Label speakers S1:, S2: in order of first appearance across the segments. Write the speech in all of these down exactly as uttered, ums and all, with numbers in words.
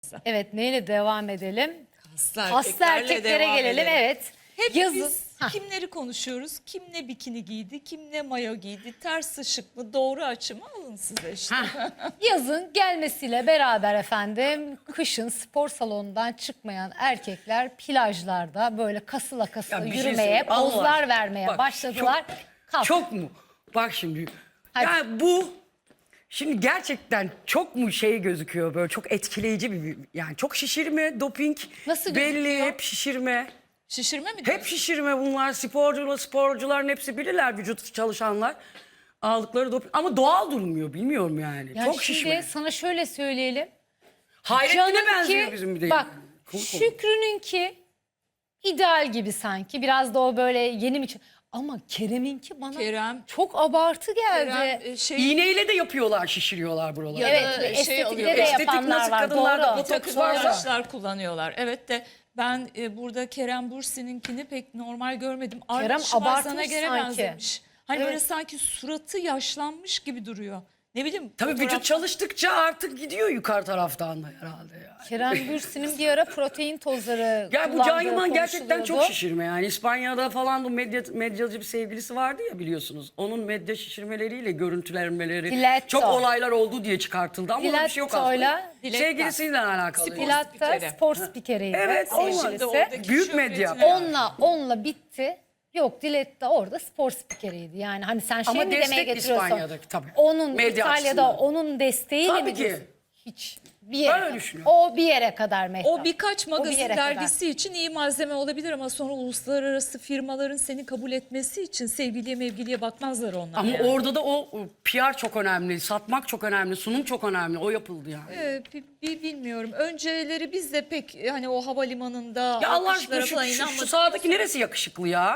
S1: kaslar.
S2: Evet, neyle devam edelim?
S1: Kaslı
S2: Kaslı erkeklere
S1: devam
S2: gelelim.
S1: edelim.
S2: Evet.
S1: Hep
S2: Yazın.
S1: biz
S2: Hah.
S1: kimleri konuşuyoruz? Kim ne bikini giydi, kim ne mayo giydi, ters ışık mı, doğru açı mı, alın size işte.
S2: Yazın gelmesiyle beraber efendim kışın spor salonundan çıkmayan erkekler plajlarda böyle kasıla kasıla
S3: Ya bir şey
S2: yürümeye,
S3: söyleyeyim. Allah
S2: pozlar
S3: aşkına.
S2: vermeye
S3: Bak,
S2: başladılar. Kalk.
S3: Çok mu? Bak şimdi.
S2: Hadi.
S3: Yani bu şimdi gerçekten çok mu şey gözüküyor böyle çok etkileyici bir yani çok şişirme, doping
S2: Nasıl
S3: belli,
S2: gözüküyor?
S3: hep şişirme.
S1: Şişirme mi
S3: Hep
S1: diyorsun?
S3: şişirme bunlar sporcular, sporcuların hepsi bilirler vücut çalışanlar. Aldıkları doping ama doğal durmuyor bilmiyorum yani.
S2: Yani
S3: çok
S2: şimdi
S3: şişme.
S2: sana şöyle söyleyelim.
S3: Hayrettin'e benziyor bizim bir de.
S2: Bak
S3: Kul kul.
S2: Şükrü'nünki ideal gibi sanki. Biraz da o böyle yeni mi? Ama Kerem'inki bana
S1: Kerem-
S2: çok abartı geldi.
S1: Kerem, e, şey,
S3: İğneyle de yapıyorlar, şişiriyorlar buraları.
S1: Ya
S2: Evet,
S1: da
S2: ve
S1: şey
S2: estetikte
S1: alıyor.
S2: de
S3: Estetik
S2: yapanlar
S3: nasıl
S2: var.
S3: kadınlarda
S2: Doğru.
S3: bu
S1: bir takım
S3: Çok varsa.
S1: araçlar kullanıyorlar. Evet de ben e, burada Kerem Bürsin'inkini pek normal görmedim.
S2: Kerem
S1: Arnold Schwarzenegger'e
S2: abartmış
S1: göre
S2: sanki.
S1: benzemiş. Hani
S2: Evet.
S1: böyle sanki suratı yaşlanmış gibi duruyor. Ne bileyim.
S3: Tabii
S1: fotoğraf-
S3: vücut çalıştıkça artık gidiyor yukarı taraftan da herhalde yani.
S2: Kerem Bürsin'in bir ara protein tozları
S3: Ya bu
S2: kullandığı
S3: Can Yaman gerçekten çok
S2: konuşuluyordu.
S3: şişirme yani. İspanya'da falan bu medya, medyacı bir sevgilisi vardı ya biliyorsunuz. Onun medya şişirmeleriyle görüntülenmeleri
S2: Diletto.
S3: çok olaylar oldu diye çıkartıldı ama öyle bir şey yok aslında.
S2: Diletto'yla
S1: Diletta.
S3: Sevgilisiyle alakalı.
S1: Spor
S3: yani.
S2: Dilatta
S1: spikeri.
S2: spor spikeriydi.
S3: Evet,
S2: sevgilisi.
S3: olmadı.
S1: Şimdi oradaki
S3: Büyük medya.
S1: şöhretine-
S2: Onunla onunla bitti. Yok Diletta orada spor spikeriydi. Yani hani sen şey
S3: Ama
S2: mi demeye
S3: destek
S2: getiriyorsun?
S3: İspanya'daki tabii.
S2: Onun
S3: Medya
S2: İtalya'da
S3: açısından.
S2: onun desteğiyle
S3: Tabii
S2: mi
S3: ki.
S2: diyorsun? Hiç. Bir yere.
S3: öyle düşünüyorum.
S2: O bir yere kadar Mehtap.
S1: O birkaç
S2: O bir
S1: magazin
S2: yere kadar.
S1: dergisi için iyi malzeme olabilir ama sonra uluslararası firmaların seni kabul etmesi için sevgiliye mevgiliye bakmazlar onlar.
S3: Ama
S1: yani.
S3: orada da o P R çok önemli, satmak çok önemli, sunum çok önemli. O yapıldı yani.
S1: Ee, bi- bi- bilmiyorum. Önceleri biz de pek hani o havalimanında
S3: Ya Allah
S1: alkışlara
S3: aşkına şu,
S1: falan
S3: şu, şu
S1: inanmadık.
S3: sağdaki neresi yakışıklı ya?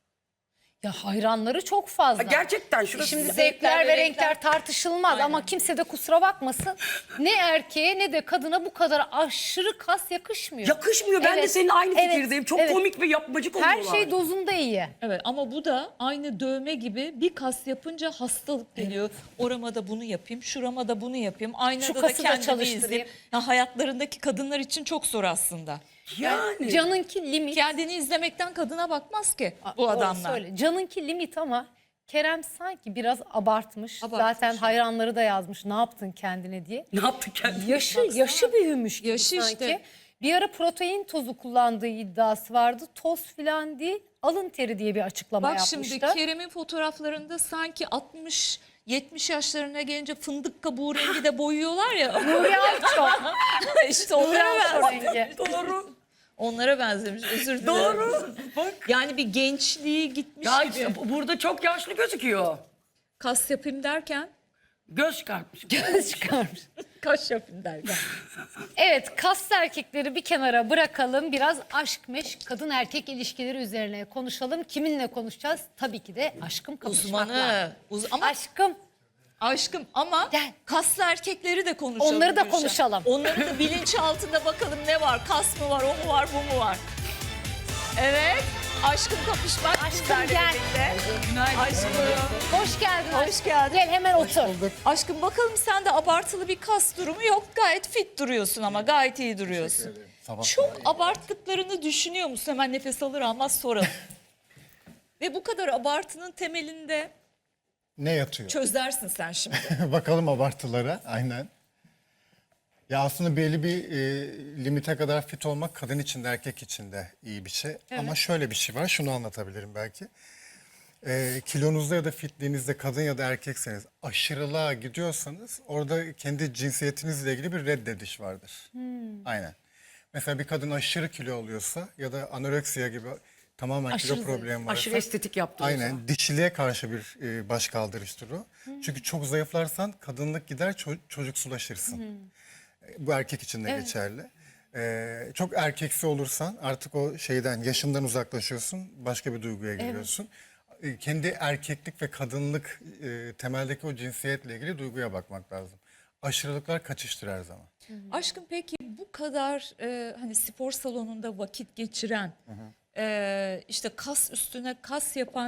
S2: Ya hayranları çok fazla.
S3: Ha, gerçekten şurası.
S2: Şimdi
S1: Zevkler
S2: zevkler
S1: ve
S2: ve
S1: renkler
S2: renkler tartışılmaz
S1: Aynen.
S2: ama kimse de kusura bakmasın. Ne erkeğe ne de kadına bu kadar aşırı kas yakışmıyor.
S3: Yakışmıyor. Ben de
S2: Evet,
S3: senin aynı
S2: evet,
S3: fikirdeyim. Çok
S2: evet.
S3: komik ve yapmacık
S2: Her
S3: oluyorlar.
S2: şey dozunda iyi.
S1: Evet ama bu da aynı dövme gibi bir kas yapınca hastalık geliyor. Orama da bunu yapayım, şurama da bunu yapayım. Aynada
S2: Şu
S1: da
S2: kası da
S1: kendimi
S2: çalıştırayım.
S1: izleyeyim. Ya hayatlarındaki kadınlar için çok zor aslında.
S3: Yani.
S2: Canınki limit.
S1: Kendini izlemekten kadına bakmaz ki bu
S2: Doğru
S1: adamlar.
S2: söyle. Canınki limit ama Kerem sanki biraz abartmış.
S1: Abartmış.
S2: Zaten hayranları da yazmış ne yaptın kendine diye.
S3: Ne yaptı kendini?
S2: Yaşı yaşı büyümüş gibi
S1: Yaşı
S2: sanki.
S1: işte.
S2: Bir ara protein tozu kullandığı iddiası vardı. Toz filan değil, alın teri diye bir açıklama
S1: Bak
S2: yapmıştı.
S1: şimdi Kerem'in fotoğraflarında sanki altmış yetmiş yaşlarına gelince fındık kabuğu rengi de boyuyorlar ya.
S2: Nuri Alço.
S1: işte
S2: Nuri
S1: onlara,
S2: Alço
S1: benzemiş.
S2: rengi.
S3: Doğru.
S1: onlara benzemiş. Özür dilerim.
S3: Doğru. Bak.
S1: Yani bir gençliği gitmiş
S3: Ya
S1: gibi.
S3: işte burada çok yaşlı gözüküyor.
S1: Kas yapayım derken
S3: Göz çıkartmış.
S2: Göz çıkarmış.
S1: kaş yapayım derken.
S2: Evet, kaslı erkekleri bir kenara bırakalım. Biraz aşk meşk, kadın erkek ilişkileri üzerine konuşalım. Kiminle konuşacağız? Tabii ki de aşkım kapışmakla.
S1: Uzmanı. Uz ama
S2: Aşkım.
S1: aşkım ama
S2: Gel.
S1: kaslı erkekleri de konuşalım.
S2: Onları da
S1: Gülşen.
S2: konuşalım.
S1: Onları da bilinç altında bakalım ne var? Kas mı var, o mu var, bu mu var? Evet. Aşkım kapışmak.
S2: Aşkım
S1: bizlerle
S2: gel.
S1: birlikte. Aşkım.
S2: Hoş geldin.
S1: Hoş
S2: aşkım.
S1: geldin.
S2: Gel hemen otur.
S1: Aşkım bakalım sende abartılı bir kas durumu yok. Gayet fit duruyorsun ama gayet iyi duruyorsun. Çok abarttıklarını düşünüyor musun? Hemen nefes alır almaz soralım. Ve bu kadar abartının temelinde
S4: Ne yatıyor?
S1: çözersin sen şimdi.
S4: Bakalım abartılara. Aynen. Ya aslında belli bir e, limite kadar fit olmak kadın için de erkek için de iyi bir şey. Ama şöyle bir şey var. Şunu anlatabilirim belki. E, kilonuzda ya da fitliğinizde kadın ya da erkekseniz aşırılığa gidiyorsanız orada kendi cinsiyetinizle ilgili bir reddediş vardır. Aynen. Mesela bir kadın aşırı kilo oluyorsa ya da anoreksiya gibi tamamen
S2: Aşırı
S4: kilo problemi varsa.
S3: Aşırı estetik yaptı. o zaman.
S4: Aynen dişiliğe karşı bir e, başkaldırıştır o. Çünkü çok zayıflarsan kadınlık gider ço- çocuksulaşırsın. E, Bu erkek için de geçerli. E, çok erkeksi olursan artık o şeyden yaşından uzaklaşıyorsun başka bir duyguya giriyorsun. E, kendi erkeklik ve kadınlık e, temeldeki o cinsiyetle ilgili duyguya bakmak lazım. Aşırılıklar kaçıştır her zaman.
S1: Aşkım peki bu kadar e, hani spor salonunda vakit geçiren, e, işte kas üstüne kas yapan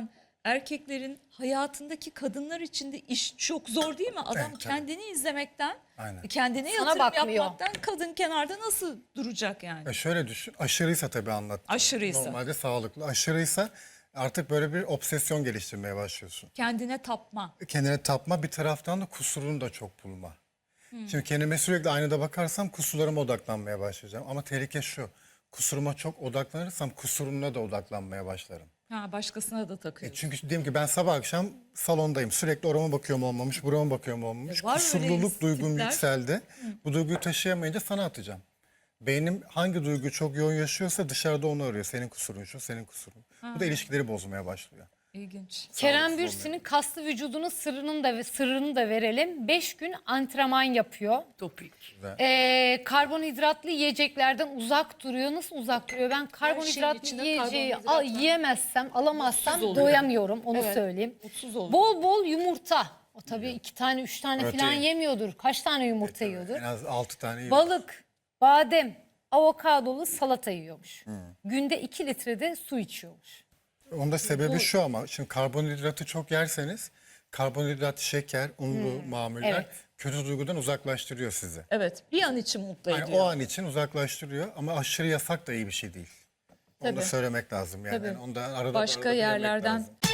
S1: erkeklerin hayatındaki kadınlar için de iş çok zor değil mi? Adam
S4: Evet, tabii.
S1: kendini izlemekten,
S4: Aynen.
S1: kendine
S2: Sana
S1: yatırım
S2: bakmıyor.
S1: yapmaktan kadın kenarda nasıl duracak yani?
S4: E şöyle düşün, aşırıysa tabii anlat.
S1: Aşırıysa.
S4: Normalde sağlıklı. Aşırıysa artık böyle bir obsesyon geliştirmeye başlıyorsun.
S1: Kendine tapma.
S4: Kendine tapma, bir taraftan da kusurunu da çok bulma. Şimdi kendime sürekli aynada bakarsam kusurlarıma odaklanmaya başlayacağım. Ama tehlike şu, kusuruma çok odaklanırsam kusuruna da odaklanmaya başlarım.
S1: Ha, başkasına da
S4: E
S1: takıyorsun.
S4: çünkü diyelim ki ben sabah akşam salondayım. Sürekli orama bakıyorum olmamış, burama bakıyorum olmamış.
S1: E var öyle
S4: Kusurluluk duygum
S1: tipler.
S4: yükseldi. Bu duyguyu taşıyamayınca sana atacağım. Beynim hangi duyguyu çok yoğun yaşıyorsa dışarıda onu arıyor. Senin kusurun şu, senin kusurun. Bu da ilişkileri bozmaya başlıyor.
S1: İlginç.
S2: Kerem Bürsin'in kaslı vücudunun sırrını da sırrını da verelim. beş gün antrenman yapıyor.
S3: Topik.
S2: Ee, karbonhidratlı yiyeceklerden uzak duruyor. Nasıl uzak duruyor? Ben karbonhidratlı
S1: içinde
S2: yiyeceği
S1: karbonhidrat
S2: al,
S1: var.
S2: yiyemezsem, alamazsam
S1: Mutsuz oluyor.
S2: doyamıyorum. Onu
S1: Evet,
S2: söyleyeyim.
S1: mutsuz oluyor.
S2: Bol bol yumurta. O tabii iki tane, üç tane
S4: Protein.
S2: falan yemiyordur. Kaç tane yumurta
S4: En
S2: yiyordur?
S4: az altı tane yiyor.
S2: Balık, badem, avokadolu salata yiyormuş. Günde iki litre de su içiyormuş.
S4: Onun da sebebi şu ama şimdi karbonhidratı çok yerseniz karbonhidrat, şeker, unlu mamuller
S2: Evet.
S4: kötü duygudan uzaklaştırıyor sizi.
S1: Evet, bir an için mutlu
S4: Yani
S1: ediyor.
S4: o an için uzaklaştırıyor ama aşırı yasak da iyi bir şey değil. Onu da
S1: Tabii.
S4: söylemek lazım yani.
S1: Tabii.
S4: Yani onu da arada
S1: Başka
S4: arada bilmek
S1: yerlerden
S4: lazım.